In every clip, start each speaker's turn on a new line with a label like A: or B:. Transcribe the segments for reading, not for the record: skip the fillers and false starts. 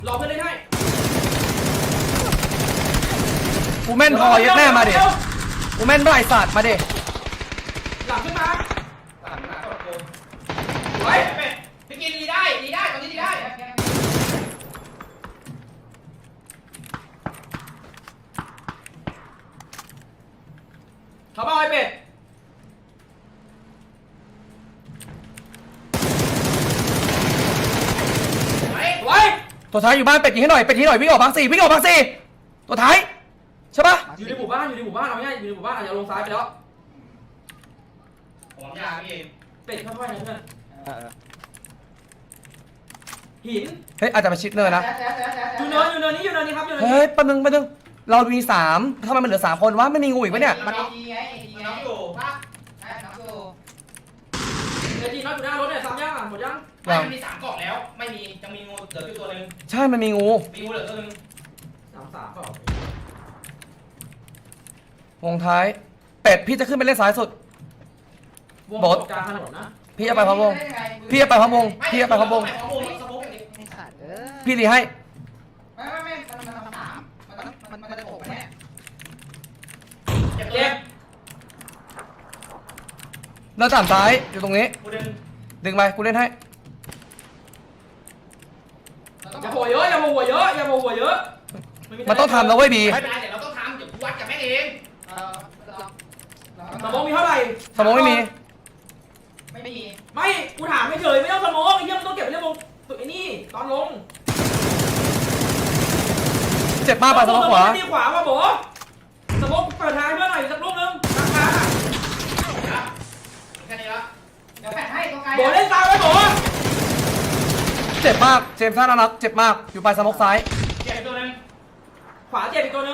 A: รอเพื่อนเล่นให้
B: กูแม่นพอยัดแม่มาดิกูแม่นบ่ายศาสตร์มาดิ
A: หลังขึ้นมาไว้พี่กินดีได้ตอนนี้ดีได้เขาบอกไอ้เป็ดไว้
B: ตัวท้ายอยู่บ้านเป็ดยิงให้หน่อยเป็ดยิงหน่อยวิ่งออกบางสี่ตัวท้ายใช่ปะ
A: อยู่ในหมู่บ้านเอาง่ายอยู่ในหมู่บ้านอาจจะลงซ้ายไปแล้วผมยาพี่เป็ดค่อยๆนะเพื่อนหิน
B: เฮ้ยอาจจะมาชิดเนินนะ
A: อยู่เนินนี้ครับ
B: เฮ้ยแป๊บนึงเรามี3ทำไมมันเหลือ3คนวะไม่มีงูอีกปะเนี่ย
A: มันน้องอยู่ป่ะน้องอยู่เดี๋ยวจีน้องอยู่หน้ารถเนี่ยซ้ำยังหมดยังมันมี3กล่องแล้วไม่มียังมีงูเหลือตัวนึง
B: ใช่มันมีงู
A: เหลือตัวนึง3 ก็
B: วงท้ายเป็ดพี่จะขึ้นไปเล่นซ้ายสุด
A: บดกลางถนนนะ
B: พี่จะไปพะวงพี่รีให้
A: ไม่มันจะโผล่แน่เจ็บ
B: แล้วตามซ้ายอยู่ตรงนี้ดึงไปกูเล่นให้
A: อย่าโผล่เยอะ
B: มันต้องทำแล้วเว้ยบี
A: ไม่เป็นไรเดี๋ยวเราต้องทำเดี๋ยวกูวัดกับแม่เองสมองมีเท่าไหร่
B: สมองไม่มี
A: ไม่กูถามไม่เฉยไม่ต้องสมองไอ้เหี้ยมันต้องเก็บเรื่องลงตัวไอ้นี่ตอนลง
B: เจ็บมากไปสมองขวา
A: ดีขวาป่ะโบสมองเปิดทางเพื่อหน่อยสักลูกนึงราคาแค่นี้ละเดี๋ยวแปะให้ตรงไกลโบเล่นตามไปโบ
B: เจ็บมากเจมส์ท่าน่ารักเจ็บมากอยู่ปลายสมองซ้าย
A: เจ็บตัวนึงขวาเจ็บอีกตัวนึง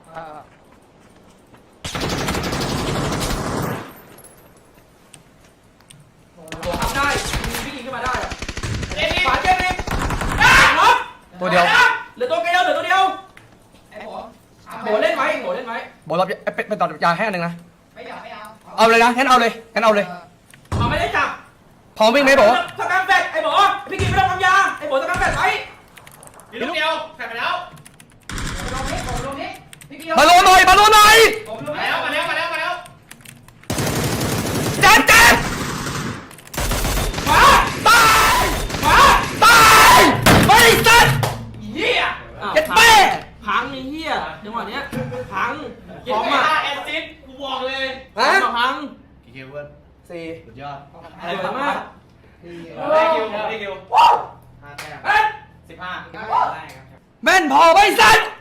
A: ทำได้พี่ยิงขึ้นมาได้ขวาเจ็บอีก
B: ตัวเดียว
A: เหลือตัวเดียวโบเล่นไว้
B: โบรับเป็นต่อยาแค่นึงนะเอาเลยนะงั้นเอาเลย
A: ไม่ได้จับ
B: พร้อมวิ่งไหมโบ
A: สกัดแฟดไอ้โบพี่กินไม่ต้องทำยาไอ้โบสกัดแฟดไว้ลูกเดียวแฟดไปแล้ว
B: มาโลหน่อย
A: มาแล้ว
B: เจ็บ
A: ขวาต
B: ายไม่สัตว์
A: เหี้ย
B: เจ็บแม่
A: พังไอ้เหี้ยจังหวะเนี้ยพังของมาแอสซิสกูบอกเลยพัง
C: กี่คิวเพื่อน
B: 4
C: สุดยอด
A: อะไรมาก
C: ได้คิว
A: 5 แต้ม15
B: แม่นพอไม่สัตว์